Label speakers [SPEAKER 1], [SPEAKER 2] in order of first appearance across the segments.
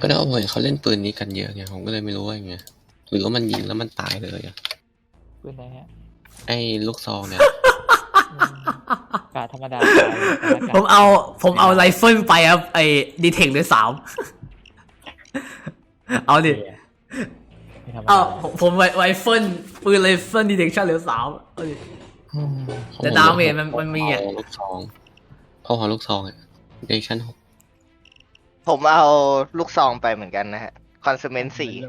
[SPEAKER 1] ก็ได้ว่าผมเห็นเขาเล่นปืนนี้กันเยอะไงผมก็เลยไม่รู้ว่าไงหรือว่ามันยิงแล้วมันตายเลยอะ
[SPEAKER 2] ปืนไหนฮะ
[SPEAKER 1] ไอ้ลูกซองเนี่ย
[SPEAKER 2] กาธรรมดา
[SPEAKER 3] ผมเอาไรเฟิลไปครับไอ้ดีเทคด้วย3เอาดิเอาผมไรเฟิลปืนไรเฟิลดีเทคชั่นเหลือ3เอาดิ แต่ดาเมจมันมีอ่ะ
[SPEAKER 1] ลูกซองพอลูกซองอ่ะเดชั่น6
[SPEAKER 4] ผมเอาลูกซองไปเหมือนกันนะฮะคอนซูเมนต์4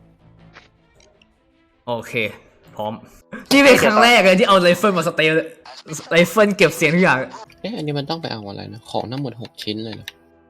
[SPEAKER 3] โอเคพร้อมนี่เป็นครั้งแรกเลยที่เอาไรเฟิลมาสเตลไรเฟิลเก็บเสียงทุกอย่าง
[SPEAKER 1] อันนี้มันต้องไปเอาอะไรนะของทั้งหมด6ชิ้นเลยเหรอ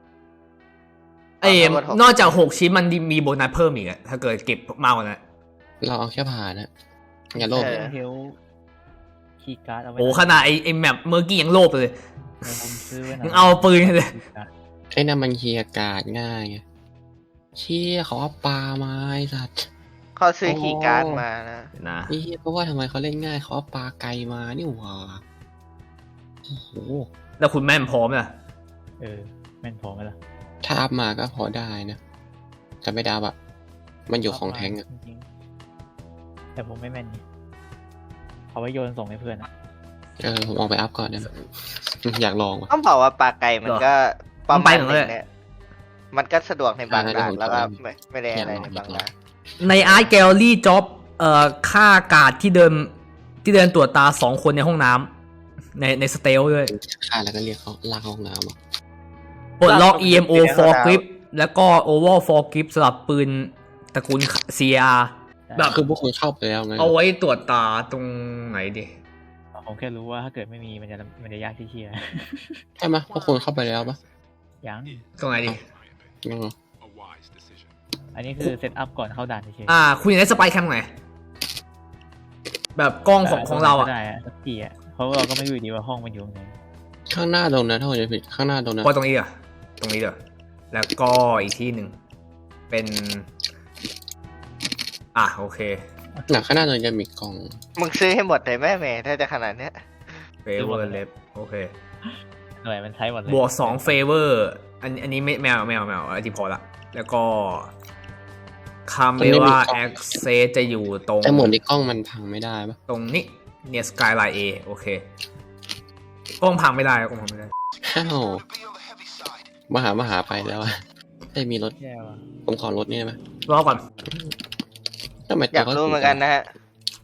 [SPEAKER 3] นอกจาก6ชิ้นมันมีโบนัสเพิ่มอีกอะถ้าเกิดเก็บมากกว่านั้น
[SPEAKER 1] เราเอาแค่ผ่านนะอย่าโลภ
[SPEAKER 2] เฮลคีย์การ์ดเอาไว้
[SPEAKER 3] โอ้ขนาดไอ้แมปเมื่อกี้ยังโลภเลย
[SPEAKER 2] ผมซื้อไว้
[SPEAKER 3] ยังเอาปืนเลย
[SPEAKER 1] ไอ้นั่นมันเคลียร์การ์ดง่ายไงเชี่ยเขาเอาปลาไม้สัตว์
[SPEAKER 4] เขาซื้อคีย์การ์ดมานะ
[SPEAKER 3] นะ
[SPEAKER 1] นี่เพราะว่าทำไมเขาเล่นง่ายเขาเอาปลาไกลมานี่หว่าโอ้โห
[SPEAKER 3] แล้วคุณแม่นพร้อมนะ
[SPEAKER 2] แม่นพอไหมล่ะ
[SPEAKER 1] ถ้าอัพมาก็พอได้นะแต่ไม่ได้แบบมันอยู่ของแท้งอะ
[SPEAKER 2] จริงๆแต่ผมไม่แม่นนี่เอาไว้โยนส่งให้เพื่อนอะ
[SPEAKER 1] ผมออกไปอัพก่อนนะอยากลองว่ะ
[SPEAKER 4] ต้องบอกว่าปลาไก่มันก็ประมาณนึงเนี่ยมันก็สะดวกในบางด่านแล้วก็ไม่ได้อะไรในบางด่าน
[SPEAKER 3] ในอาร์ตแกลเลอรี่จ็อบค่าการ์ดที่เดินตรวจตา2คนในห้องน้ำในสเตลด้วย
[SPEAKER 1] ฆ่าแล้วก็เรียกเขาลากเข้าห้องน้ำอ่ะ
[SPEAKER 3] ปลดล็อก EMO for grip แล้วก็ Oval for grip สำหรับปืนตระกูล CR แบบ
[SPEAKER 1] คือพวกคุณเข้าไปแล้วไง
[SPEAKER 3] เอาไว้ตรวจตาตรงไหนดิ
[SPEAKER 2] ผมแค่รู้ว่าถ้าเกิดไม่มีมันจะยากที่เชียร์
[SPEAKER 1] ใช่ไหมพวกคุณเข้าไปแล้วปะ
[SPEAKER 2] ยัง
[SPEAKER 3] ตรงไหนดิ
[SPEAKER 1] ยังเหรอ
[SPEAKER 2] อันนี้คือเซตอัพก่อนเข้าด่านเฉย
[SPEAKER 3] คุณอยากได้สไปค์แคมไหนแบบกล้องของเราอ่ะ
[SPEAKER 2] ได้สักทีอ่ะเพราะเราก็ไม่รู้ดีว่าห้องมันอยู่ตรงไหน
[SPEAKER 1] ข้างหน้าตรงนั้นถ้าผมจะผิดข้างหน้าตรงนั้น
[SPEAKER 3] พอตรงนี้อ่ะตรงนี้เด้อแล้วก็อีกที่หนึ่งเป็นโอเค
[SPEAKER 1] หนักข้างหน้าตรงนั้นจะมีกล่อง
[SPEAKER 4] มึงซื้อให้หมดเลยแม่ถ้าจะขนาดเนี้ย
[SPEAKER 3] favor left โอเค
[SPEAKER 2] หน่วยมันใช้หมดเลย
[SPEAKER 3] บวก2 favor อันนี้ไม่เอาอันที่พอละแล้วก็คาเมล่า access จะอยู่ตรง
[SPEAKER 1] แต่หมดที่กล้องมันพังไม่ได้ปะ
[SPEAKER 3] ตรงนี้เนี่ย skyline A โอเคกล้องพังไม่ได้กล้องพังไม่ได้
[SPEAKER 1] อ้าวมหาไปแล้วอะได้มีรถ
[SPEAKER 2] แย่ว่ะ
[SPEAKER 1] ผมขอรถนี่ได้ไหม
[SPEAKER 3] รอก่อน
[SPEAKER 1] ทำไม
[SPEAKER 4] อยากรู้เหมือนกันนะฮะ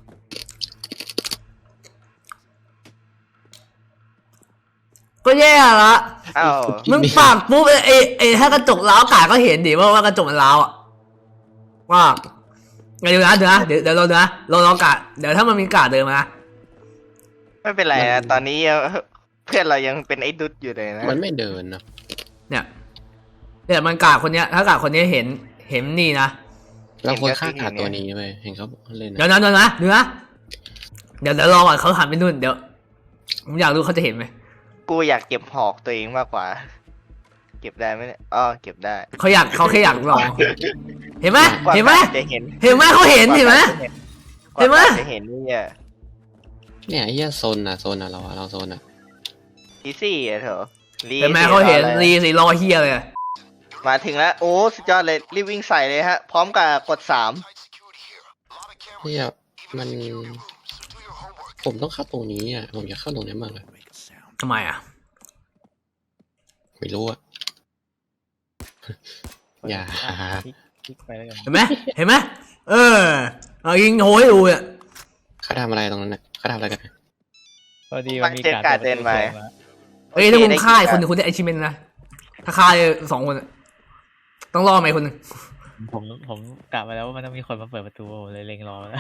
[SPEAKER 3] ก็แย่ละ
[SPEAKER 4] อ้าว
[SPEAKER 3] มึงปากปุ๊บไอ้ถ้ากระจกล้าวกาก็เห็นดิว่ากระจกมันล้าวอ่ะว่าเดี๋ยวเราดูนะเรากาเดี๋ยวถ้ามันมีกาเดินมา
[SPEAKER 4] ไม่เป็นไรนะตอนนี้เพื่อนเรายังเป็นไอ้ดุดอยู่เลยนะ
[SPEAKER 1] มันไม่เดินนะ
[SPEAKER 3] เนี่ยมันกาคนเนี้ยถ้ากาคนนี้เห็นนี่นะ
[SPEAKER 1] เราควรฆ่าขาดตัวนี้ไปเห็นเขาเล่น
[SPEAKER 3] เดี๋ยวนะดูนะเดี๋ยวรอก่อนเขาหันไปนู่นเดี๋ยวผมอยากรู้เขาจะเห็นไหม
[SPEAKER 4] กูอยากเก็บหอกตัวเองมากกว่า เก็บได้ไหมเนี่ยเก็บได้
[SPEAKER 3] เขาแค่อยากลองเห็นไหม
[SPEAKER 4] กว่า
[SPEAKER 3] เห็นไหม
[SPEAKER 4] จะเห็น
[SPEAKER 3] เขาเห็นไหม
[SPEAKER 4] กว่าจะเห็นนี่อ่ะ
[SPEAKER 1] เนี่ยไอ้เหี้ยโซนอะเราโซนอะ
[SPEAKER 4] อีซี่อ่ะเถอะ
[SPEAKER 3] เห็นไหมเขาเห็นรีสิรอเฮียเลย
[SPEAKER 4] มาถึงแล้วโอ้สุดยอดเลยรีบวิ่งใส่เลยฮะ พร้อมกับกด3
[SPEAKER 1] เหี้ยมันผมต้องเข้าตรงนี้อ่ะผมอยากเข้าตรงนี้มากเลย
[SPEAKER 3] ทำไมอ่ะ
[SPEAKER 1] ไม่รู้อะ อย่า
[SPEAKER 2] คลิกไปแล้วกัน
[SPEAKER 3] เห็นไหมเอายิงโหยดูอ่ะ
[SPEAKER 1] เขาทำอะไรตรงนั้นน่ะเขาทำอะไรกัน
[SPEAKER 2] พอดีมันมีการเดินมา
[SPEAKER 3] เอ้ยถ้าคุณฆ่าคนหนึ่งคุณได้ไอชิเมนนะถ้าฆ่า2 คนต้องรอไหมคนหนึ่ง
[SPEAKER 2] ผมกะมาแล้วว่ามันต้องมีคนมาเปิดประตูเลยเล็งรอแล้ว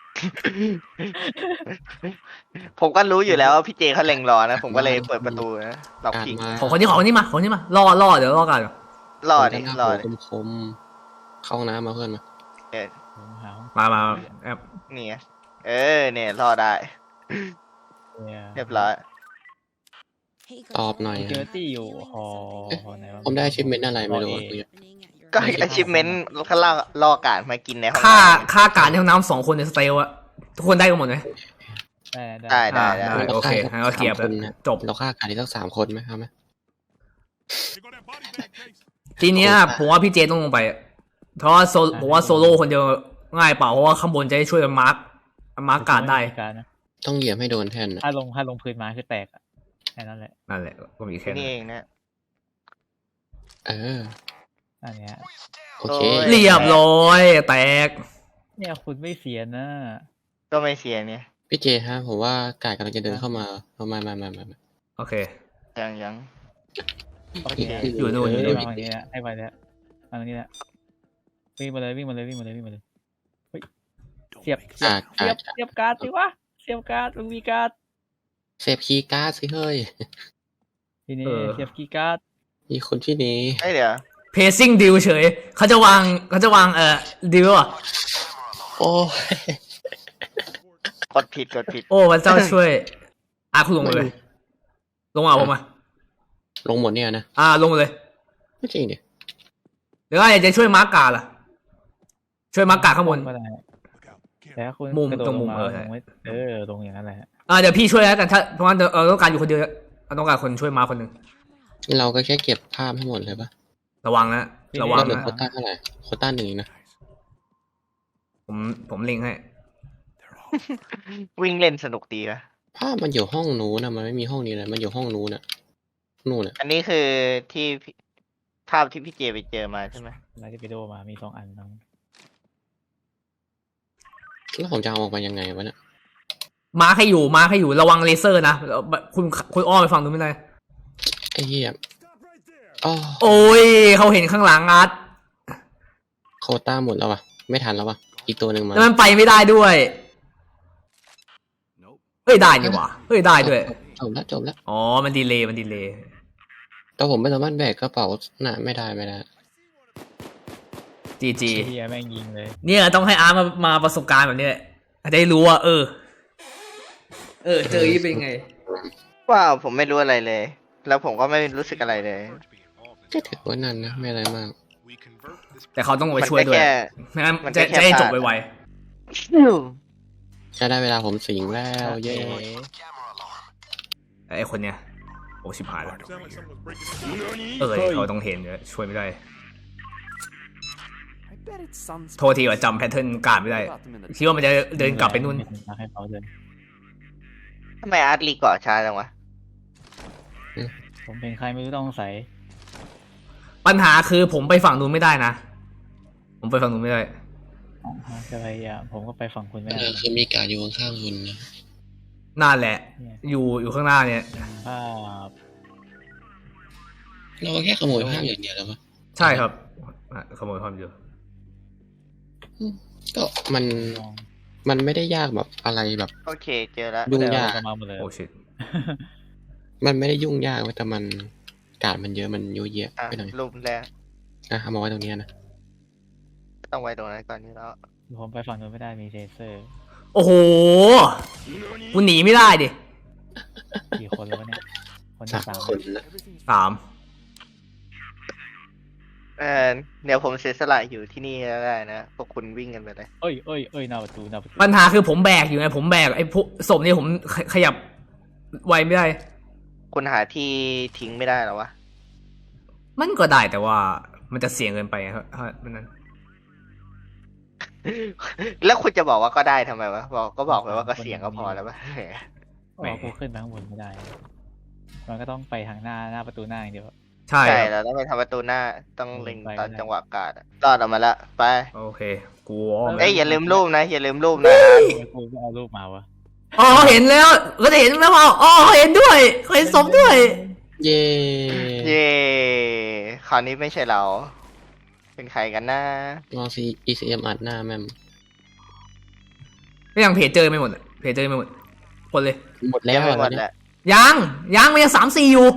[SPEAKER 4] ผมก็รู้อยู่แล้วว่าพี่เจเขาเล็งรอนะ ผมก็เลยเปิดประตูนะล็อก
[SPEAKER 1] การ
[SPEAKER 4] พิง
[SPEAKER 1] มา
[SPEAKER 3] ของคนนี้มารอเดี๋ยวรอกัน
[SPEAKER 4] รอดิรอดิ
[SPEAKER 1] คมๆเข้าห้องน้ำมาเพื่อนมา
[SPEAKER 2] ผมหาห้อง
[SPEAKER 3] มาแอบ
[SPEAKER 4] นี่ไงเนี่ยรอได้ เรียบร้อย
[SPEAKER 1] ตอบหน่อย
[SPEAKER 2] เจอตี้อยู่หอไหนวะ
[SPEAKER 1] ผมได้ชิปเมนอะไรไม่รู้
[SPEAKER 4] ก็ achievement เขาล่อการมากินในห้อง
[SPEAKER 3] ฆ่าการในห้องน้ำ2 คนในสเตลอะทุกคนได้กันหมดไหม
[SPEAKER 2] ได้
[SPEAKER 3] โอเคงั้นก็เคลียร์ไปจบ
[SPEAKER 1] เราฆ่าการที่ทั้ง3 คนไหมครับไหม
[SPEAKER 3] ทีเนี้ยผมว่าพี่เจต้องลงไปเพราะว่าผมว่าโซโล่คนเดียวง่ายเปล่าเพราะว่าข้างบนจะได้ช่วยมาร์คการ์ดได้
[SPEAKER 2] การนะ
[SPEAKER 1] ต้องเหยียบให้โดนแท่นนะ
[SPEAKER 2] ถ้าลงพื้นมาคือแตกอะแค่นั้นแหละ
[SPEAKER 3] นั่นแหละก็มีแค่
[SPEAKER 4] ที่
[SPEAKER 3] นั้
[SPEAKER 4] นี่
[SPEAKER 3] น
[SPEAKER 4] เองนะ
[SPEAKER 1] เออ
[SPEAKER 2] อันเนี้ย
[SPEAKER 1] โอเค
[SPEAKER 4] โอ้ย
[SPEAKER 3] เรียบร้อยแตก
[SPEAKER 2] เนี่ยคุณไม่เสียนะ
[SPEAKER 4] ก็ไม่เสียเนี่ย
[SPEAKER 1] พี่เจฮะผมว่ากายกำลังจะเดินเข้ามาเอามา
[SPEAKER 3] โอเค
[SPEAKER 4] ยัง
[SPEAKER 2] โอเค
[SPEAKER 3] อยู่นู่นอยู่นู่น
[SPEAKER 2] ให้มาอย่างนี้นะให้ไปแล้วมาตรงนี้แหละวิ่งมาเลยเฮ้ยเสียบการ์ดสิวะเสียบการ์ดมึงมีการ์ด
[SPEAKER 1] เซฟคีย์การ์ดสิเฮ้ย
[SPEAKER 2] ทีนี้เสียบกีย์การ์ด
[SPEAKER 1] มีคนที่นี้
[SPEAKER 4] เอ้ยเดี๋ยว
[SPEAKER 3] pacing deal เฉยเขาจะวางดีลอ่ะ
[SPEAKER 1] โอ้ย
[SPEAKER 4] กดผิด
[SPEAKER 3] โอ้พระเจ้าช่วยคุณลงมาเลยลงมาผมมา
[SPEAKER 1] ลงหมดเนี่ยนะ
[SPEAKER 3] ลงมาเลย
[SPEAKER 1] ไม่จริงดิ
[SPEAKER 3] เดี๋ยวอยากจะช่วยมาร์กการ์ล่ะช่วยมาร์กการ์ข้างบน
[SPEAKER 2] ก็ได้แล้วคุณ
[SPEAKER 3] มุม
[SPEAKER 2] กระโดด
[SPEAKER 3] ตรงมุม
[SPEAKER 2] ลงา
[SPEAKER 3] ใช่
[SPEAKER 2] ลงไว้ลงอย่างนั้นแหละ
[SPEAKER 3] เดี๋ยวพี่ช่วยแล้วกันถ้าเพราะว่าเราต้องการอยู่คนเดียวเราต้องการคนช่วยมาคนหนึ่ง
[SPEAKER 1] เราก็แค่เก็บภาพให้หมดเลยปะ
[SPEAKER 3] ระวังนะระวัง
[SPEAKER 1] เราเหลือ
[SPEAKER 3] นะ
[SPEAKER 1] โควต้าเท่าไหร่โควต้า1นะ
[SPEAKER 3] ผมเล็งให้
[SPEAKER 4] วิ่งเล่นสนุกดีนะ
[SPEAKER 1] ภาพมันอยู่ห้องนู้นนะมันไม่มีห้องนี้เลยมันอยู่ห้องนู้นน่ะนู่นน่ะ
[SPEAKER 4] อันนี้คือที่ภาพที่พี่เจไปเจอมาใช่ไหม
[SPEAKER 2] เราจะไปดูมามี2 อันน้อง
[SPEAKER 1] แล้วผมจะเอาออกมายังไงวะเนี่ย
[SPEAKER 3] มาร์คให้อยู่ระวังเลเซอร์นะคุณอ้อมไปฝั่งนู้นไม่ได้
[SPEAKER 1] ไอ้เหี้ยอ๋อ
[SPEAKER 3] โอ้ยเขาเห็นข้างหลังอาร์ต
[SPEAKER 1] โควต้าหมดแล้ววะไม่ทันแล้ววะอีกตัวหนึ่งมา
[SPEAKER 3] แล้วมันไปไม่ได้ด้วยเฮ้ยได้นี่หว่าเฮ้ยได้ด้วย
[SPEAKER 1] จบแล้ว
[SPEAKER 3] อ๋อมันดีเลย์
[SPEAKER 1] แต่ผมไม่สามารถแบกกระเป๋าน่ะไม่ได้
[SPEAKER 3] จีจี
[SPEAKER 2] เฮียแม่งยิงเลย
[SPEAKER 3] เนี่ยต้องให้อาร์ตมาประสบการณ์แบบนี้จะได้รู้ว่าเจอยี่เป็นไง
[SPEAKER 4] ว้าวผมไม่รู้อะไรเลย แล้วผมก็ไม่รู้สึกอะไรเลย
[SPEAKER 1] ก็ถือว่านั่นนะไม่อะไรมาก
[SPEAKER 3] แต่เขาต้องไปช่วยด้วยไม่งั้น
[SPEAKER 4] มัน
[SPEAKER 3] จะ
[SPEAKER 4] แค่
[SPEAKER 3] ให้จบ
[SPEAKER 4] พลาด
[SPEAKER 3] ไว
[SPEAKER 1] จะได้เวลาผมสิงแล้วเย้
[SPEAKER 3] ๆไอ้คนเนี้ยโอ้ชิบหายแล้วเขาต้องเห็นเนี่ยช่วยไม่ได้โทษทีว่าจำแพทเทิร์นการไม่ได้คิดว่ามันจะเดินกลับไปนู่น
[SPEAKER 2] ให้เขาเดิน
[SPEAKER 4] ทำไมอาร์ตรีเกาะช้าจังวะ
[SPEAKER 2] ผมเป็นใครไม่รู้ต้องใส่
[SPEAKER 3] ปัญหาคือผมไปฝั่งนู้นไม่ได้นะผมไปฝั่งนู้นไม่ได้
[SPEAKER 2] จะพยายามผมก็ไปฝั่งคุณไม่ได้
[SPEAKER 1] คือมีการอยู่ข้างๆคุณนะ
[SPEAKER 3] นั่นแหละ อยู่ข้างหน้าเนี่ย
[SPEAKER 2] ภาพ
[SPEAKER 1] เราก็แค่ขโมยภาพอย่างเดียวแล้วปะ
[SPEAKER 3] ใช่ครับขโมยความอยู่
[SPEAKER 1] ก็มันไม่ได้ยากแบบอะไรแบบ
[SPEAKER 4] โอเคเจอแล้ว
[SPEAKER 1] ยุ่งยาก
[SPEAKER 2] เอมาหมดเลย
[SPEAKER 3] โอ้ชิต
[SPEAKER 1] มันไม่ได้ยุ่งยากเว้ยแต่มันการมันเยอะมันยุ่ยเยอะ
[SPEAKER 4] อ่ะ
[SPEAKER 1] ไปหน่อย
[SPEAKER 4] รูปแรก
[SPEAKER 1] เอามาไว้ตรงเนี้ยนะ
[SPEAKER 4] ต้องไว้ตรงนั้นก่อนนี้แล้ว
[SPEAKER 2] ผมไปฝั่งนู้นไม่ได้มีเทเซอร์
[SPEAKER 3] โอ้โหกูหนีไม่ได้ดิ
[SPEAKER 2] กี่คนแล้ววะเนี่ยคนที่
[SPEAKER 1] 3
[SPEAKER 2] 3
[SPEAKER 1] คนนะ
[SPEAKER 3] 3
[SPEAKER 4] เดี๋ยวผมเสียสละอยู่ที่นี่แล้วได้นะพวกคุณวิ่งกันไปเลย
[SPEAKER 2] เอ้ยหน้าประตู
[SPEAKER 3] ปัญหาคือผมแบกอยู่ไงผมแบกไอ้พวกศพนี่ผมขยับไวไม่ได้
[SPEAKER 4] คุณหาที่ทิ้งไม่ได้หรอวะ
[SPEAKER 3] มันก็ได้แต่ว่ามันจะเสี่ยงเกินไปครับมันนั้น
[SPEAKER 4] แล้วคุณจะบอกว่าก็ได้ทำไมวะบอกไปว่าก็เสียงก็พอแล้ววะ
[SPEAKER 2] อ๋อกูขึ้นไปข้างบนไม่ได้ มันก็ต้องไปทางหน้าประตูหน้าอย่างเดียว
[SPEAKER 3] ใช่
[SPEAKER 4] ใช่
[SPEAKER 3] ครับ
[SPEAKER 4] เราต้องไปทำประตูหน้าต้องเล็ง
[SPEAKER 2] ไป
[SPEAKER 4] ตอน
[SPEAKER 2] ไม่ได้
[SPEAKER 4] จังหวะกาดอะรอดออกมาละไป
[SPEAKER 3] โอเคกูอ้อม
[SPEAKER 4] เอ้ยอย่าลืมรูปนะอย่าลืมรูปนะ
[SPEAKER 2] กูก็เอารูปมาวะ
[SPEAKER 3] อ๋อเห็นแล้วก็จะเห็นแล้วว่าอ๋อเห็นด้วยเห็นศพด้วย
[SPEAKER 1] เย้
[SPEAKER 4] เย่คราวนี้ไม่ใช่เรา เป็นใครกันนะ
[SPEAKER 1] ลองซี ECM อัดหน้าแม่ม
[SPEAKER 3] ก็ยังเพจเจอไม่หมดคนเลย
[SPEAKER 1] หมดแล้ว
[SPEAKER 4] ยังไม่
[SPEAKER 1] อะ
[SPEAKER 4] หม
[SPEAKER 1] ตอ
[SPEAKER 4] ด
[SPEAKER 1] นเนี้
[SPEAKER 4] แห
[SPEAKER 1] ย
[SPEAKER 4] ละ
[SPEAKER 3] ยังมันยัง3-4อยู่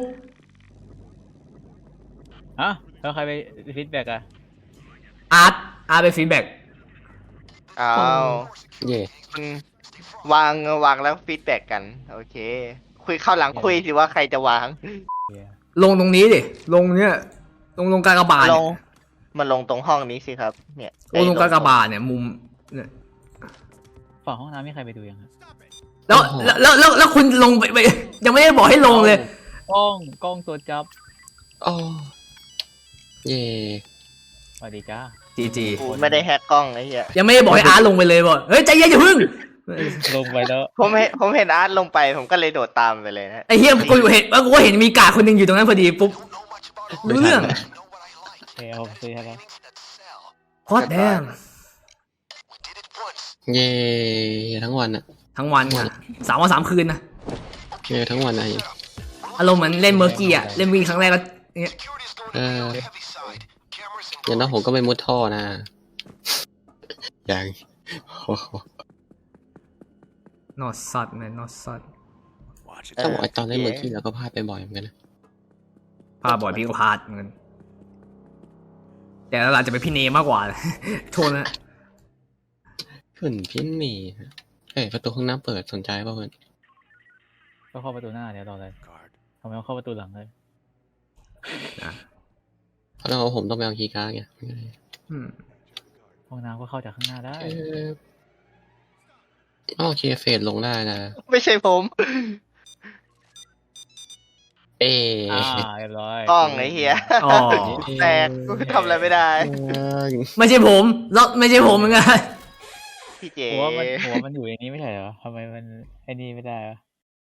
[SPEAKER 2] ฮะแล้วใครไปฟีดแบ็กอะ
[SPEAKER 3] อาร์ตไปฟีดแบ็ก
[SPEAKER 4] อ้าว
[SPEAKER 1] เย่
[SPEAKER 4] คุณวางแล้วฟีดแบ็กกัน โอเค คุยเข้าหลังคุยสิว่าใครจะวาง
[SPEAKER 3] ลงตรงนี้ดิลงเนี้ยลงกากบาท
[SPEAKER 4] ล
[SPEAKER 3] เนี่ย
[SPEAKER 4] งมันลงตรงห้องนี้สิครับ เนี่ย
[SPEAKER 3] ลงกากบาทเนี่ยมุมเนี่ย
[SPEAKER 2] ฝั่งห้องน้ำมีใครไปดูยังครับ
[SPEAKER 3] แล้วคุณลงไปยังไม่ได้บอกให้ลงเลย
[SPEAKER 2] กล้องตัวจับ
[SPEAKER 1] อ๋อเย่
[SPEAKER 2] สวัสดีจ้า
[SPEAKER 3] จีจี
[SPEAKER 4] กูไม่ได้แฮกกล้องไอ้เหี้ย
[SPEAKER 3] ยังไม่ได้บอกให้อาร์ตลงไปเลยบอกเฮ้ยใจเย็นอย่าพึ่ง
[SPEAKER 2] ลงไปแล้ว
[SPEAKER 4] ผมเห็นอาร์ตลงไปผมก็เลยโดดตามไปเลยนะ
[SPEAKER 3] ไอ้เฮียกูเห็นว่ากูก็เห็นมีกาคนหนึ่งอยู่ตรงนั้นพอดีปุ๊บรู้เรื่อง
[SPEAKER 2] เอาซื้อให้แล้ว
[SPEAKER 3] โคตรแดง
[SPEAKER 1] เย่ทั้งวันอะ
[SPEAKER 3] ทั้งวันค่ะ3 วัน 3 คืนนะ
[SPEAKER 1] เย่ทั้งวันอะ
[SPEAKER 3] อารมณ์เหมือนเล่นเมอร์กี้อะเล่นวิ่งครั้งแรกก็เนี่ย
[SPEAKER 1] อย่างนั้นผมก็ไม่มุดท่อนะอย่างโอ้โห
[SPEAKER 3] not sad man not sad
[SPEAKER 1] ต้องบอกไอ้ตอนเล่นเมื่อกี้เราก็พลาดไปบ่อยเหมือนกันนะ
[SPEAKER 3] พาบ่อยพี่ก็พลาดเหมือนกันแต่หลังจะเป็นพี่เนมากกว่า โทษนะ
[SPEAKER 1] ขึ้นพินนี่ประตูห้องน้ำเปิดสนใจป่ะเพื่อน
[SPEAKER 2] ก็เข้าประตูหน้าเดี๋ยวรอเลยทำไมต้องเข้าประตูหลังเลย
[SPEAKER 1] เพราะเราผมต้องไปเอาคีย์การ์ดไง
[SPEAKER 3] อืม
[SPEAKER 2] ห้องน้ำก็เข้าจากข้างหน้าได้
[SPEAKER 1] โอเคเฟดลงได้นะ
[SPEAKER 4] ไม่ใช่ผม
[SPEAKER 2] เรียบร้อย
[SPEAKER 4] กล้องไอ้เหี้ย
[SPEAKER 3] อ๋อ
[SPEAKER 4] แตกกูทำอะไรไม่ได้
[SPEAKER 3] ไม่ใช่ผมแล้วไม่ใช่ผมเหมือนกัน
[SPEAKER 4] พี่เจ
[SPEAKER 2] หัวมันอยู่ในนี้ไม่ใช่เหรอทำไมมันไอ้นี่ไม่ได้วะ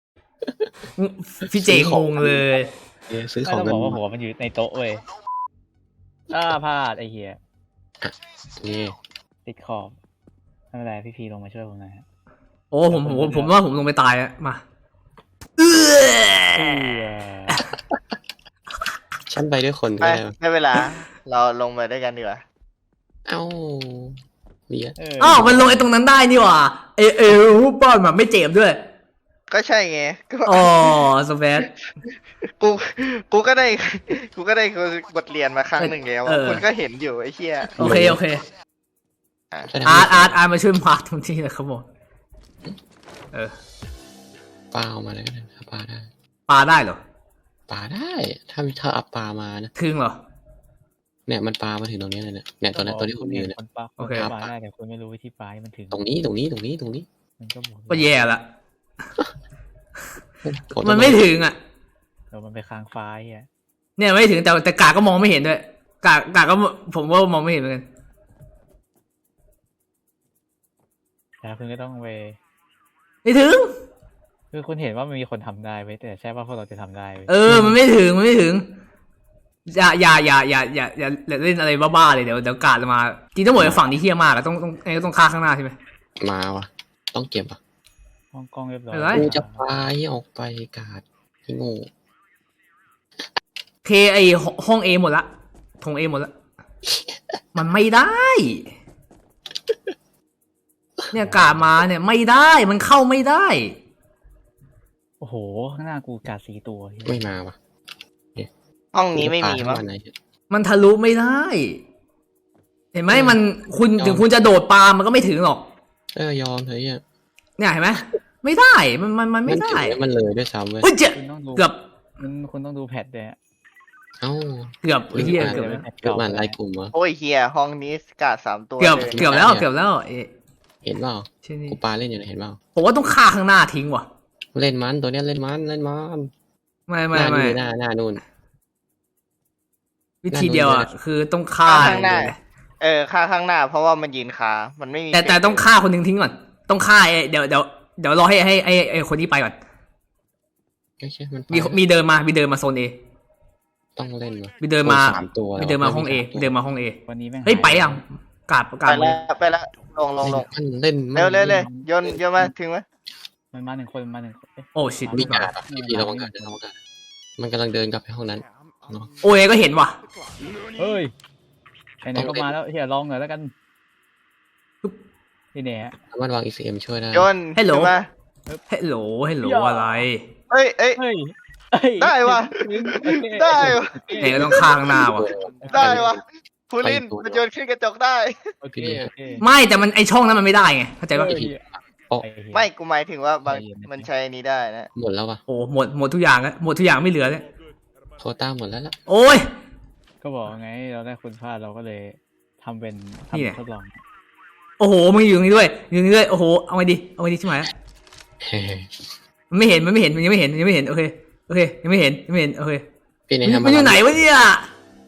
[SPEAKER 3] พี่เจงงเลย
[SPEAKER 1] ซื้อข
[SPEAKER 2] ก็
[SPEAKER 1] อง
[SPEAKER 2] ต้อง
[SPEAKER 1] กัน
[SPEAKER 2] บอกว่าหัวมันอยู่ในโต๊ะเว้ยพลาดไอ้เหี้ย
[SPEAKER 1] นี่
[SPEAKER 2] ติดขอบไม่เป็นไรพี่พีลงมาช่วยผมหน่อยฮะ
[SPEAKER 3] โอ้ผมว่าผมลงไปตายอะมา
[SPEAKER 1] ฉันไปด้วยคนก็
[SPEAKER 4] ไป
[SPEAKER 1] ได้
[SPEAKER 4] ได้เวลา เราลงมาด้วยกันดีกว่า
[SPEAKER 1] เอ้าเบียด
[SPEAKER 3] อ้าวมันลงไอ้ตรงนั้นได้นี่หว่ารูปบ้านแบบไม่เจ็บด้วย
[SPEAKER 4] ก็ใช่ไงก็
[SPEAKER 3] อ๋อสเปซ
[SPEAKER 4] กูก็ได้บทเรียนมาครั้งหนึ่งแล้วอะคุณก็เห็นอยู่ไอ้เหี้ย
[SPEAKER 3] โอเคโอเค
[SPEAKER 1] แสดง
[SPEAKER 3] อาร์
[SPEAKER 1] ว่า
[SPEAKER 3] ตมาช่วยมาตรงที่นะครับผมเออ
[SPEAKER 1] ปลาออกมาเลยก็ได้ปลาได้
[SPEAKER 3] ปลาได้เหรอ
[SPEAKER 1] ปลาได้ถ้าเอาปลามานะ
[SPEAKER 3] ถึงเหรอ
[SPEAKER 1] เนี่ยมันปลามาถึงตรงนี้เลยเนี่ยตัวนั้นตัวที่คุณยืนเนี่ย
[SPEAKER 2] คนปลา
[SPEAKER 3] โอเค
[SPEAKER 2] ปลาได้แต่คุณไม่รู้วิธีปลาให้มันถึง
[SPEAKER 1] ตรงนี้
[SPEAKER 2] มันก็บอก
[SPEAKER 3] ก็แย่ละมันไม่ถึงอ่ะ
[SPEAKER 2] เดี๋ยวมันไปค้างฟ้าเฮีย
[SPEAKER 3] เนี่ยไม่ถึงแต่กาก็มองไม่เห็นด้วยกาก็ผมว่ามองไม่เห็นเหมือนกัน
[SPEAKER 2] แล้วคุณก็ต้องไป
[SPEAKER 3] ไม่ถึง
[SPEAKER 2] คือคุณเห็นว่ามันมีคนทำได้ไว้ยแต่ใช่ว่าพวกเราจะทำได้ไว้ย
[SPEAKER 3] มันไม่ถึงอย่าเล่นอะไรบ้าๆเลยเดี๋ยวกาดมาจริงต้องบอกว่าฝั่งนี้เฮี้ยมากอะต้องฆ่าข้างหน้าใช่ไหม
[SPEAKER 1] มาวะต้องเก็บอ่ะ
[SPEAKER 2] ห้องกล้องเรียบร้อย
[SPEAKER 3] อะไร
[SPEAKER 1] กูจะปลาให้ออกไปกาดที่โง่
[SPEAKER 3] เคไอห้องเอหมดละทงเอหมดละมันไม่ได้ เนี่ยกาดมาเนี่ยไม่ได้มันเข้าไม่ได้
[SPEAKER 2] โอ้โหข้างหน้ากูกาด4 ตัวเหี้ย
[SPEAKER 1] ไม่มาวะ
[SPEAKER 4] ห้องนี้ไม่มีมั้ง
[SPEAKER 1] ปลาทั้งวันไหน
[SPEAKER 3] มันทะลุไม่ได้ เห็นไหมมันคุณถึงคุณจะโดดปามันก็ไม่ถึงหรอก
[SPEAKER 1] ยอมเถอะเนี่ย
[SPEAKER 3] เนี่ยเห็นไหมไม่ได้มันไม่ได้
[SPEAKER 1] ถึงมันเลยด้วยซ้ำเว้ย
[SPEAKER 3] เฮ้ยเจ๊
[SPEAKER 2] คุณต้องดู
[SPEAKER 3] เกือบ
[SPEAKER 2] คุณต้องดูแพทด้วยฮะ
[SPEAKER 1] เอ้า
[SPEAKER 3] เกือบไอ้เหี้ย
[SPEAKER 1] เกื
[SPEAKER 3] เกื
[SPEAKER 1] อ
[SPEAKER 3] อ
[SPEAKER 1] บบ มันไล่กลุ่มวะ
[SPEAKER 4] โอ้ยเฮียห้องนี้กาด3 ตัว
[SPEAKER 3] เกือบ
[SPEAKER 4] เลย
[SPEAKER 3] เกือบแล้วเกือบแล้วเอ๊ะ
[SPEAKER 1] เห็นเปล่า
[SPEAKER 3] ใช่นี่
[SPEAKER 1] กูปลาเล่นอยู่นะเห็นเปล่า
[SPEAKER 3] ผมว่าต้องฆ่าข้างหน้าทิ้งว่ะ
[SPEAKER 1] เล่นมันตัวเนี้ยเล่นมัน
[SPEAKER 3] ไม่
[SPEAKER 1] หน้านู่น
[SPEAKER 3] วิธีเดียวอ่ะคือต้องฆ่า
[SPEAKER 4] ข้างหน้าฆ่าข้างหน้า เพราะว่ามันยืนคามันไม่มี
[SPEAKER 3] แต่ต้องฆ่าคนหนึ่งทิ้งก่อนต้องฆ่าเดี๋ยวรอให้คนนี้ไปก่อน
[SPEAKER 1] ไม่ใช่มัน
[SPEAKER 3] มีเดินมาโซนเอ
[SPEAKER 1] ต้องเล่นวะ
[SPEAKER 3] มีเดินมา
[SPEAKER 1] 3 ตัว
[SPEAKER 3] มีเดินมาห้องเอเดินมาห้องเอ
[SPEAKER 2] วันนี้แม่ง
[SPEAKER 3] เฮ้ยไปยังกาด
[SPEAKER 4] ไปแล้วลง
[SPEAKER 1] มันเล่น
[SPEAKER 4] เร็วเลยโยนมาถึงไหม
[SPEAKER 2] มันมา1 คนมันมา1 คนเอ๊ะ
[SPEAKER 3] โอ้ชิต
[SPEAKER 1] มีกาดพี่ระวังกาดมันกำลังเดินกลับไปห้องนั้น
[SPEAKER 3] โอ้ยก็เห็นว่ะ
[SPEAKER 2] เฮ้ยไหนๆก็มาแล้วเฮียลองหน่อยแล้วกันนี่เนี่ยฮะ
[SPEAKER 1] สามารถวาง ECM ช่วยได้
[SPEAKER 4] โยน
[SPEAKER 3] ฮัลโหล
[SPEAKER 4] ขึ้นมา
[SPEAKER 3] ฮัลโหลอะไร
[SPEAKER 4] เอ้ย
[SPEAKER 2] เฮ้ย
[SPEAKER 4] ได้ว่ะ ได้ว่ะ
[SPEAKER 3] ไหนก็ต้องฆ่าข้างหน้าว่ะ
[SPEAKER 4] ได้วะพูลินมันโยนขึ้นกระจกได้
[SPEAKER 2] โอเค
[SPEAKER 3] ไม่แต่มันไอช่องนั้นมันไม่ได้ไงเข้าใจป่ะ
[SPEAKER 4] ไม่กูหมายถึงว่าบางมันใช้นี้ได้นะ
[SPEAKER 1] หมดแล้ววะ
[SPEAKER 3] โอ้หมดทุกอย่างแล้วหมดทุกอย่างไม่เหลือเลย
[SPEAKER 1] โควต้าหมดแล้วล่ะ
[SPEAKER 3] โอ้ย
[SPEAKER 2] ก็บอกไงเราได้คุณพลาดเราก็เลยทำเป็น
[SPEAKER 3] นี่ไง
[SPEAKER 2] ทำทดลอง
[SPEAKER 3] โอ้โหมึงอยู่ตรงนี้ด้วยโอ้โหเอาไงดีใช่ไหมมันไม่เห็นยังไม่เห็นโอเคยังไม่เห็นโอเค
[SPEAKER 1] พี่ใน
[SPEAKER 3] มันอยู่ไหนวะเนี่ย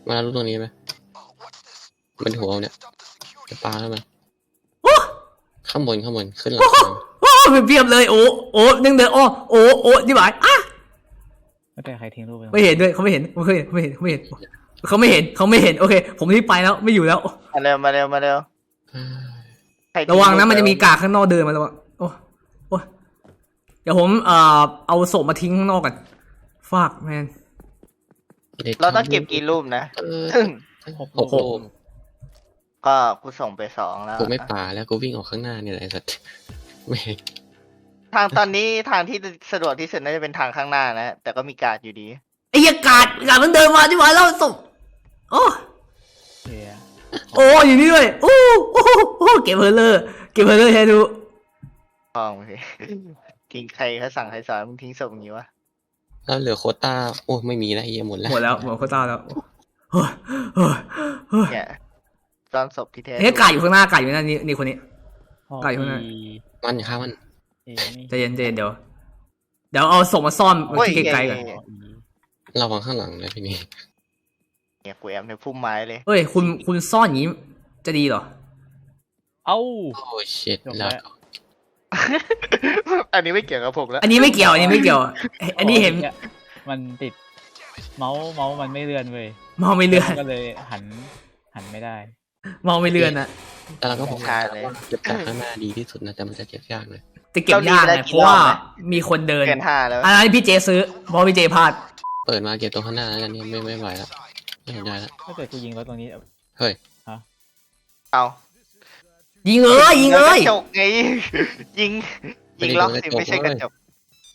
[SPEAKER 1] มารู้ตรงนี้ไหมมันหัวเนี่ยจะปลาแล้วมันข้างบนขึ้นหลังคา
[SPEAKER 3] โอ้เพียบเลยโอ้เดินโอ้ที่บ่ายอ่ะ
[SPEAKER 2] ไม่เป็นใครทิ้งรูปไป
[SPEAKER 3] ไม่เห็นด้วยเขาไม่เห็นเขาไม่เห็นเขาไม่เห็นโอเคผมรีบไปแล้วไม่อยู่แล้ว
[SPEAKER 4] มาเร็วใคทิ้
[SPEAKER 3] ระวังนะมันจะมีกากข้างนอกเดินมาแล้วโอ้เดี๋ยวผมเอาศพมาทิ้งข้างนอกกันฟากแมน
[SPEAKER 4] เราต้องเก็บกี่รูปนะ
[SPEAKER 1] 6 รูป
[SPEAKER 4] ก็กูส่งไป2แล้ว
[SPEAKER 1] กูไม่ป่าแล้วกูวิ่งออกข้างหน้าเนี่ยแหละไอ้สัตว์ไม่
[SPEAKER 4] ทางตอนนี้ทางที่สะดวกที่สุดน่าจะเป็นทางข้างหน้านะแต่ก็มีการ์ดอยู่ดี
[SPEAKER 3] ไอ้เหี้ยกาดมันเดินมาที่บ่ายแล้วศพโอ้
[SPEAKER 2] เฮีย
[SPEAKER 3] อยู่นี่ด้วยโอ้เก็บเพลเลอร์ให้ดู
[SPEAKER 4] พองสิ ทิ้งใครเขาสั่งใครสอนมึงทิ้งศพอย่างนี้วะ
[SPEAKER 1] แล้วเหลือโควต้าโอ้ไม่มีแล้วไอ้เหี้ยหมดแล้ว
[SPEAKER 3] หมดโควต้าแล้วโอ้ย
[SPEAKER 4] เนี่ยซ่อนศพที่แท้
[SPEAKER 3] เฮ้ยกาดอยู่ข้างหน้ากาดอยู่นั่นนี่คนนี้ ไก่ข้างใน
[SPEAKER 1] มันอย่าฆ่ามัน
[SPEAKER 3] ใจเย็นเดี๋ยวเอาศพมาซ่อนที่ไกลๆก่อน
[SPEAKER 1] ระวังข้างหลังนะพี่นี่
[SPEAKER 4] เนี่ยกูแอมในพุ่มไม้เลย
[SPEAKER 3] เฮ้ยคุณซ่อนอย่างนี้จะดีเหรอ
[SPEAKER 2] เอ้า
[SPEAKER 1] โอ้ชิต
[SPEAKER 2] จบ
[SPEAKER 1] แล้ว
[SPEAKER 2] แล้ว
[SPEAKER 4] อันนี้ไม่เกี่ยวกับผมแล้ว
[SPEAKER 3] อันนี้ไม่เกี่ยวอันนี้เห็น
[SPEAKER 2] มันติดเมาส์มันไม่เลื่อนเว้ย
[SPEAKER 3] มองไม่เลื่อน
[SPEAKER 2] ก็เลยหันไม่ได้
[SPEAKER 3] มองไม่เลื่อนนะ
[SPEAKER 1] แต่เราก็บอก
[SPEAKER 4] ใช่เลย
[SPEAKER 1] เก็บจากข้างหน้าดีที่สุดนะแต่มันจะเก็บยากเลย
[SPEAKER 3] จะเก็บยากไงเพราะว่ามีคนเดิน
[SPEAKER 4] เกิน5แล้ว
[SPEAKER 3] อันนั้นพี่เจซื้อเพราะพี่เจพลาด
[SPEAKER 1] เปิดมาเก็บตรงข้างหน้าแล้วกันเนี่ยไม่ไหวแล้วไม่สนใจแล้ว
[SPEAKER 2] ถ้าเกิดกูยิงรถตรงนี้
[SPEAKER 1] เฮ้ย
[SPEAKER 4] เอา
[SPEAKER 3] ยิงเอ้ย
[SPEAKER 4] กระจกไง ยิงล็อกสิไม่ใช่กระจก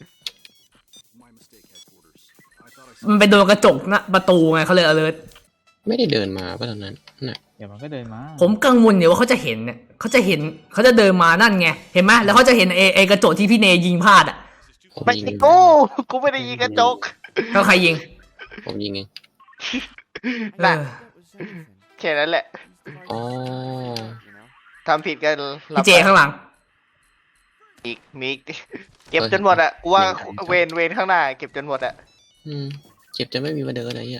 [SPEAKER 3] มันไปโดนกระจกนะประตูไงเขาเลยalert
[SPEAKER 1] ไม่ได้เดินมาป่ะตอนนั้นน่ะ
[SPEAKER 2] เดี๋ยวมันก็เดินมา
[SPEAKER 3] ผมกังวลอยู่ว่าเขาจะเห็นเนี่ยเขาจะเดินมานั่นไงเห็นไหมแล้วเขาจะเห็นไอกระจกที่พี่เนยิงพลาดอ่ะ
[SPEAKER 1] ผม
[SPEAKER 4] ไม่
[SPEAKER 1] ยิง
[SPEAKER 4] ใช่
[SPEAKER 1] เอง
[SPEAKER 4] กูไม่ได้ยิงกระจก
[SPEAKER 3] แล้วใครยิง
[SPEAKER 1] ผมยิงเอง
[SPEAKER 4] น่ะ
[SPEAKER 3] เออ
[SPEAKER 4] แค่นั้นแหละ
[SPEAKER 1] อ๋อ
[SPEAKER 4] ทำผิดกันรับ
[SPEAKER 3] พี่เจข้างหลัง
[SPEAKER 4] มีอีกเก็บจนหมดอ่ะกูว่าเวนข้างหน้าเก็บจนหมดอ่ะ
[SPEAKER 1] เจ็บจะไม่มีมาเดินอะไรเงี้ย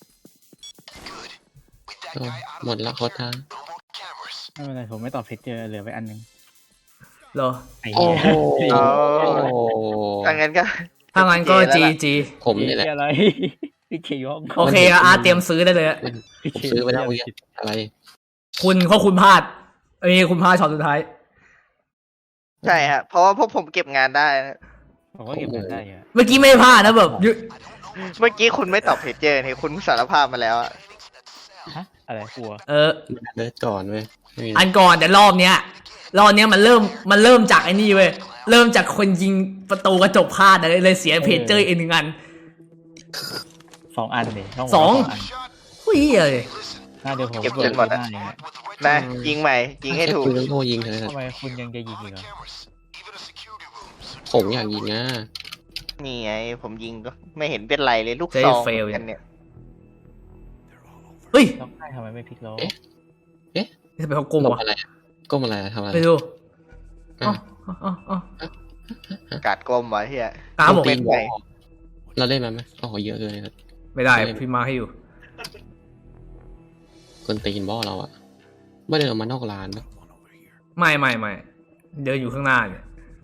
[SPEAKER 1] โอ้หมดละโควต้า
[SPEAKER 2] ไม่เป็นไรผมไม่ตอบเพจเจอเหลือไปอันนึง
[SPEAKER 3] เหรอ
[SPEAKER 2] ไอ้
[SPEAKER 1] โอ้
[SPEAKER 2] เหี้ย
[SPEAKER 1] โห
[SPEAKER 4] ถ้างั้นก็
[SPEAKER 3] ถ้างั้นก็จี
[SPEAKER 1] ผมนี่แหละ
[SPEAKER 2] อะไรพี่เคยห้อง
[SPEAKER 3] โอเคอาร์เตรียมซื้อได้เลยอะ
[SPEAKER 1] ผมซื้อไปแล้วเมื่อกี้อะไร
[SPEAKER 3] คุณพลาดคุณพลาดช็อตสุดท้าย
[SPEAKER 4] ใช่ฮะเพราะว่าพวกผมเก็บงานได้นะ
[SPEAKER 2] ผมก็เก็บเงินได้เยอะ
[SPEAKER 3] เมื่อกี้ไม่พลาดนะแบบยุ
[SPEAKER 4] เมื่อกี้คุณไม่ตอบเพจเจอร์นี่คุณสารภาพมาแล้วอะ
[SPEAKER 2] ฮะอะไรกลัว
[SPEAKER 1] เลิศก่อนเว้ยไม่มี
[SPEAKER 3] อันก่อนแต่รอบเนี้ยมันเริ่มจากไอ้นี่เว้ยเริ่มจากคนยิงประตูกระจกพลาดเลยเสียเพจเจอร์อีก1 อัน
[SPEAKER 2] 2 อันเลยช่
[SPEAKER 3] สอง
[SPEAKER 2] อัน
[SPEAKER 3] หุ้ยเลย
[SPEAKER 2] หน้าเดี๋ยวผม
[SPEAKER 4] เก็บจนหมดอะ
[SPEAKER 2] น้าอย่างเงี้ย
[SPEAKER 4] นะยิงใหม่ยิงให้ถูก
[SPEAKER 1] คุณต้องโทษยิงเถอะ
[SPEAKER 2] ทำไมคุณยังจะยิงอีกเหรอ
[SPEAKER 1] ผมอยากยิงอ่ะ
[SPEAKER 4] นี่ไงผมยิงก็ไม่เห็นเป็นไรเลยลูกซองกันเนี่ย
[SPEAKER 3] เฮ้ย
[SPEAKER 2] ล็อกได้ทำไมไม่พลิกล้อ
[SPEAKER 3] จะไปเขาโกง
[SPEAKER 1] หลบ
[SPEAKER 3] วะ
[SPEAKER 1] อะไรอะก้มอะไรอะทำอะไร
[SPEAKER 3] ไปดู
[SPEAKER 1] อ่ะ
[SPEAKER 3] อ๋อ
[SPEAKER 4] กาดกลมไว้เฮีย
[SPEAKER 3] ตามผม
[SPEAKER 4] เป็นไง
[SPEAKER 1] เราเล่นมันไหมโอ้โหเยอะเลยครับ
[SPEAKER 3] ไม่ได้พี่มาให้อยู่
[SPEAKER 1] คนตีนบอเราอะไม่เดินออกมานอกร้านนะ
[SPEAKER 3] ไม่เดินอยู่ข้างหน้าเนี่ย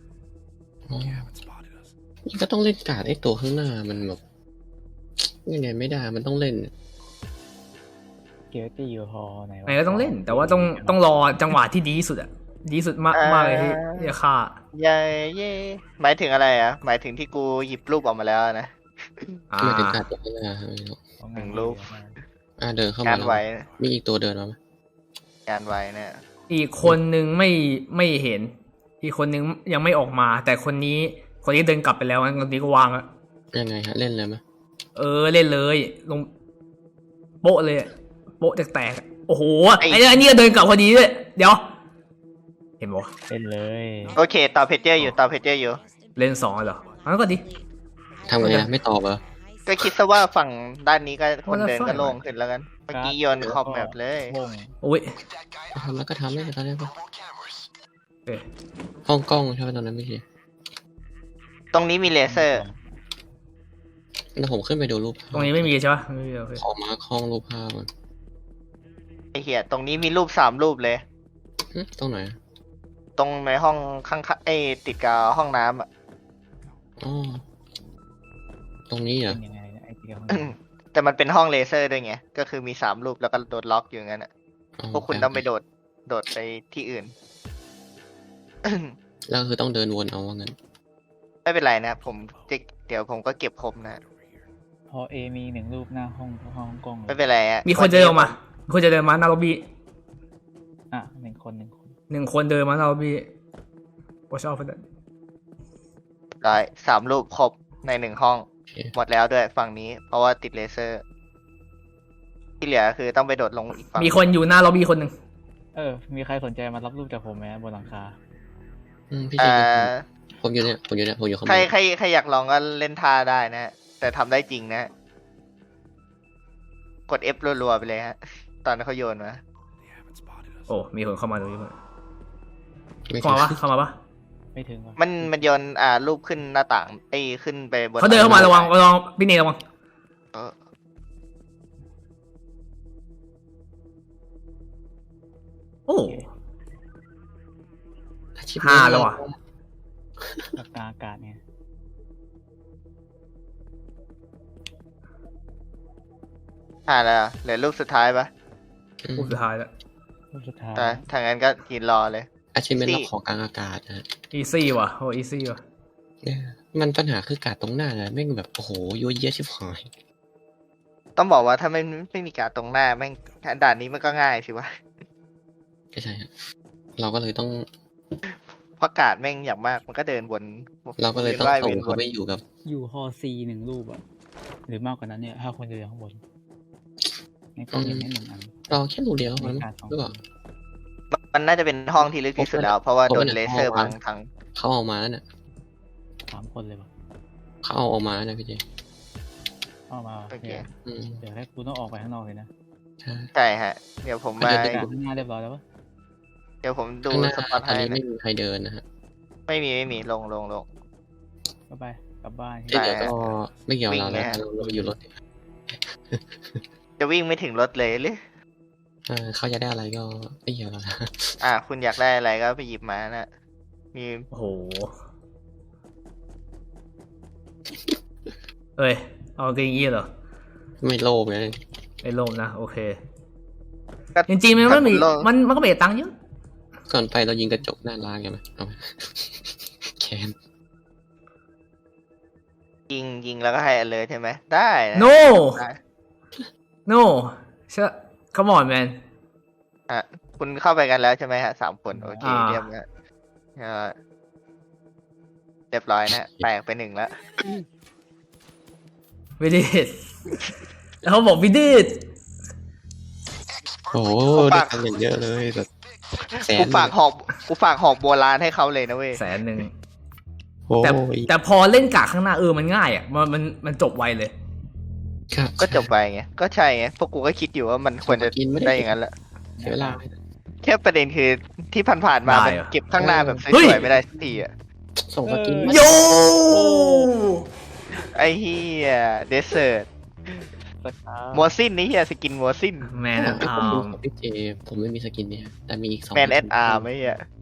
[SPEAKER 1] นี่ก็ต้องเล่นการ์ดไอ้ตัวข้างหน้ามันแบบยังไงไม่ได้มันต้องเล่น
[SPEAKER 2] เกียร์ตี้อยู่ฮอไหนวะ
[SPEAKER 3] ไหนก็ต้องเล่น แต่ว่าต้องรอจังหวะที่ดีที่สุดอะดีที่สุดมากเลยที่จะฆ่า
[SPEAKER 4] เย่เย่หมายถึงอะไรอ่ะหมายถึงที่กูหยิบรูปออกมาแล้วนะ
[SPEAKER 1] ไม่ถึงการ์ดตัวข้างหน้าไม่รู้
[SPEAKER 2] เอา
[SPEAKER 4] หนึ่งรูป
[SPEAKER 1] เดินเข้ามาง
[SPEAKER 4] านไว้
[SPEAKER 1] มีอีกตัวเดินมาไหม
[SPEAKER 4] งานไว้เนี่ย
[SPEAKER 3] อีกคนนึงไม่เห็น อีกคนนึงยังไม่ออกมา แต่คนนี้เดินกลับไปแล้วงั้นคนนี้ก็วางอะ
[SPEAKER 1] ยังไงฮะเล่นเลยไหม
[SPEAKER 3] เล่นเลยลงโป๊ะเลยโป๊ะแตกๆโอ้โหไอ้นี่ก็เดินกลับพอดีด้วยเดี๋ยว เห็นบ่
[SPEAKER 2] เล่นเลย
[SPEAKER 4] โอเคต่อเพจเจอร์อยู่ต่อเพจเจอร์อยู่
[SPEAKER 3] เล่น2เหรองั้นก็ดี
[SPEAKER 1] ทำไงอะไม่ตอบเหรอ
[SPEAKER 4] ก็คิดซะว่าฝั่งด้านนี้ก็คนเดินก็โล่งขึ้นแล้วกันเมื่อกี้โยนคอมแบบเลย
[SPEAKER 2] วง
[SPEAKER 3] โอ้ย
[SPEAKER 1] ทำแล้วก็ทำได้ตอนนี้ปะ
[SPEAKER 3] เอ้ย
[SPEAKER 1] ห้องกล้องใช่ไหมตอนนั้นไม่ใช่
[SPEAKER 4] ตรงนี้มีเลเซอร์
[SPEAKER 1] แล้วผมขึ้นไปดูรูปภาพ
[SPEAKER 3] ตรงนี้ไม่มีใช่ปะไม่มีโอเค
[SPEAKER 1] ขอมาร์คห้องรูปภาพมัน
[SPEAKER 4] ไอ้เหี้ยตรงนี้มีรูป3 รูปเลย
[SPEAKER 1] ตรงไหน
[SPEAKER 4] ตรงในห้องข้างๆไอ้ติดกับห้องน้ำอ่ะ
[SPEAKER 1] อ๋อตรงนี้เหรอ
[SPEAKER 2] เป็นยังไงเนี่ยไอ้เดียว
[SPEAKER 4] แต่มันเป็นห้องเลเซอร์ด้วยไง ก็คือมี3 รูปแล้วก็โดนล็อกอยู่งั้นอ่ะ พวกคุณต้องไปโดดไปที่อื่น
[SPEAKER 1] แล้วคือต้องเดินวนเอาว่างั้น
[SPEAKER 4] ไม่เป็นไรนะ เดี๋ยวผมก็เก็บครบนะ
[SPEAKER 2] พอเอมี1 รูปหน้าห้องกล้องเล
[SPEAKER 4] ไม่
[SPEAKER 2] ย
[SPEAKER 4] เป็นไรอ่ะ
[SPEAKER 3] มีคนเดินออกมามีคนจะเดินมาหน้าล็อบบี้
[SPEAKER 2] อ่ะ1 คน
[SPEAKER 3] 1 คนเดินมาหน้าล็อบบี้ watch out for that
[SPEAKER 4] ได้3 รูปครบใน1 ห้อง
[SPEAKER 1] โอเค
[SPEAKER 4] หมดแล้วด้วยฝั่งนี้ เพราะว่าติดเลเซอร์ ที่เหลือคือต้องไปโดดลงอีกฝั่ง
[SPEAKER 3] มีคนอยู่หน้าล็อบบี้คนหนึ่ง
[SPEAKER 2] มีใครสนใจมารับรูปจากผมไหมบนหลังคา
[SPEAKER 1] พี่
[SPEAKER 4] เอ่
[SPEAKER 1] เจ
[SPEAKER 4] อ
[SPEAKER 1] ผมอยู่เนี่ยผมอยู่ข้างบ
[SPEAKER 4] ใคร
[SPEAKER 1] น
[SPEAKER 4] ใครอยากลองก็เล่นท่าได้นะ แต่ทำได้จริงนะ กด F รัวๆไปเลยฮะ ตอนเขาโยนมา
[SPEAKER 3] โอ้มีคนเข้ามาตรงนี้
[SPEAKER 1] ไม่
[SPEAKER 3] เข้ามาปะเข้ามาปะ
[SPEAKER 2] ไม่ถึงวะ
[SPEAKER 4] มันโยนรูปขึ้นหน้าต่างขึ้นไปบน
[SPEAKER 3] เขาเดินเข้ามาระวังพี่เนยระวัง
[SPEAKER 4] เออ
[SPEAKER 3] โอ้
[SPEAKER 1] อาชีพ
[SPEAKER 3] ห้าแล้วว่ะ
[SPEAKER 2] หลักการอากาศเนี่ย
[SPEAKER 4] แล้วเหลือรูปสุดท้ายปะ
[SPEAKER 3] รูปสุดท้ายแล้ว
[SPEAKER 2] รูปสุดท้าย
[SPEAKER 4] แต่ถ้างั้นก็ยืนรอเลย
[SPEAKER 1] อาชีพเป็น
[SPEAKER 4] สี่
[SPEAKER 1] ล็อกของกลางอากาศนะ
[SPEAKER 3] easy ว่ะโอ้ easy ว่ะ
[SPEAKER 1] เนี่ยมันปัญหาคือกาดตรงหน้าเลยแม่งแบบโอ้โหยั่วเยี่ยชิบหาย
[SPEAKER 4] ต้องบอกว่าถ้าไม่มีการดตรงหน้าแม่งด่านนี้มันก็ง่ายสิวะ
[SPEAKER 1] ก็ใช่ฮะเราก็เลยต้อง
[SPEAKER 4] เพราะการดแม่งอย่างมากมันก็เดินวน
[SPEAKER 1] เราก็เลยต้อง
[SPEAKER 4] ว่าย
[SPEAKER 1] ส่
[SPEAKER 4] เวี
[SPEAKER 1] ง
[SPEAKER 4] ยนว
[SPEAKER 1] เขา
[SPEAKER 4] น
[SPEAKER 1] ไปอยู่กับ
[SPEAKER 2] อยู่ฮอซี1 รูปอ่ะหรือมากกว่านั้นเนี่ยถ้าคนอยู่ข้างบนในกล้องเห็นได้1 อัน
[SPEAKER 1] เราแค่รูเดียวมัน
[SPEAKER 2] ไม่ขาดสอง
[SPEAKER 1] หรือเปล่า
[SPEAKER 4] มันน่าจะเป็นห้องที่ลึกที่สุดแล้ว เพราะว่าโดนเลเซอร์บังทั้ง
[SPEAKER 1] เขาเอามาแล้วเนี่ย
[SPEAKER 2] 3 คนเลยปะ
[SPEAKER 1] เขาเอามาแล้วนะพี่เจ
[SPEAKER 2] เอามา
[SPEAKER 4] โอเค
[SPEAKER 2] เนี่ย
[SPEAKER 1] อืม
[SPEAKER 2] เดี๋ยวให้กูต้องออกไปข้างนอกเลยนะ
[SPEAKER 1] ใช่
[SPEAKER 4] ใช่ฮะ เดี๋ยวผม
[SPEAKER 1] มัน
[SPEAKER 4] มา
[SPEAKER 1] จะเป็น
[SPEAKER 2] ข้างหน้าเรียบร้อยแล้วปะ
[SPEAKER 4] เดี๋ยวผมดู
[SPEAKER 1] ข้างหน้า
[SPEAKER 4] สปอต
[SPEAKER 1] ตอน
[SPEAKER 4] ให้
[SPEAKER 1] นี้
[SPEAKER 4] นะ
[SPEAKER 1] ไม่มีใครเดินนะฮะ
[SPEAKER 4] ไม่มีลง
[SPEAKER 2] ก็ไปกลับบ้าน
[SPEAKER 1] เดี๋ยวก็ไม่เกี่ยว
[SPEAKER 4] วิ่ง
[SPEAKER 1] เรา
[SPEAKER 4] ไหม
[SPEAKER 1] แล้ว
[SPEAKER 4] ฮะ
[SPEAKER 1] เราอยู่รถ
[SPEAKER 4] จะวิ่งไม่ถึงรถเลยหรือ
[SPEAKER 1] เขาจะได้อะไรก็ไม่เกี่ยวเรานะ
[SPEAKER 4] คุณอยากได้อะไรก็ไปหยิบมานะมี
[SPEAKER 3] โอ้โหเอ้ยเอาเกงยี้เหรอ
[SPEAKER 1] ไม่โลภไง
[SPEAKER 3] ไอ้โลมนะโอเค
[SPEAKER 4] ก็
[SPEAKER 3] จริงๆมันไม่มี
[SPEAKER 4] โลภ
[SPEAKER 3] มันก็ไม่ได้ตังค์เยอะ
[SPEAKER 1] ก่อนไปเรายิงกระจกหน้าร้านกันไหมเอาไหม แคน
[SPEAKER 4] ยิงแล้วก็ให้อันเลยใช่ไหมได้นะ
[SPEAKER 3] no
[SPEAKER 4] ได้
[SPEAKER 3] no เชื่อ come on man
[SPEAKER 4] คุณเข้าไปกันแล้วใช่ไหมฮะ3 คนโอเค
[SPEAKER 3] อ่า
[SPEAKER 4] เรียบร้อยเรียบร้อยนะแตกไป1แล้ว
[SPEAKER 3] we did it แล้วเขาบอก we did
[SPEAKER 1] โอ้โห
[SPEAKER 4] ผม
[SPEAKER 1] ได้
[SPEAKER 4] ฝาก
[SPEAKER 1] ตังค์อย่างเยอะเลยแบบแสน
[SPEAKER 4] กูฝากหอกโบราณให้เขาเลยนะเว้ย
[SPEAKER 3] 100,000
[SPEAKER 1] โอ้
[SPEAKER 3] แต่
[SPEAKER 1] ย
[SPEAKER 3] แต่พอเล่นกากข้างหน้ามันง่ายอ่ะมันจบไวเลย
[SPEAKER 1] ครับ
[SPEAKER 4] ก็จบไปไงก็ใช่ไงพวกกูก็คิดอยู่ว่ามันควรจะ
[SPEAKER 1] กินไม่ได้
[SPEAKER 4] ได้อย่างนั้นแหละ
[SPEAKER 1] เสียเวลา
[SPEAKER 4] แค่ประเด็นคือที่ผ่านๆมา
[SPEAKER 3] ได้
[SPEAKER 4] มัน
[SPEAKER 3] เหรอ
[SPEAKER 4] เก็บข้างหน้าแบบส
[SPEAKER 3] เฮ้ย
[SPEAKER 4] วยๆไม่ได้สักทีอ่ะ
[SPEAKER 1] ส่งสกินมา
[SPEAKER 3] โย
[SPEAKER 4] ไอ้เฮียเดสเซอร์
[SPEAKER 2] สักพัก
[SPEAKER 4] มัวซินนี่เฮียสกินมัวซิน
[SPEAKER 3] แมน
[SPEAKER 1] ผม
[SPEAKER 3] อา
[SPEAKER 1] ดู
[SPEAKER 3] ร์ม
[SPEAKER 1] ของพี่เจผมไม่มีสกินเนี่ยแต่มีอีก2
[SPEAKER 4] แมนแอดอาร์ไม่เฮีย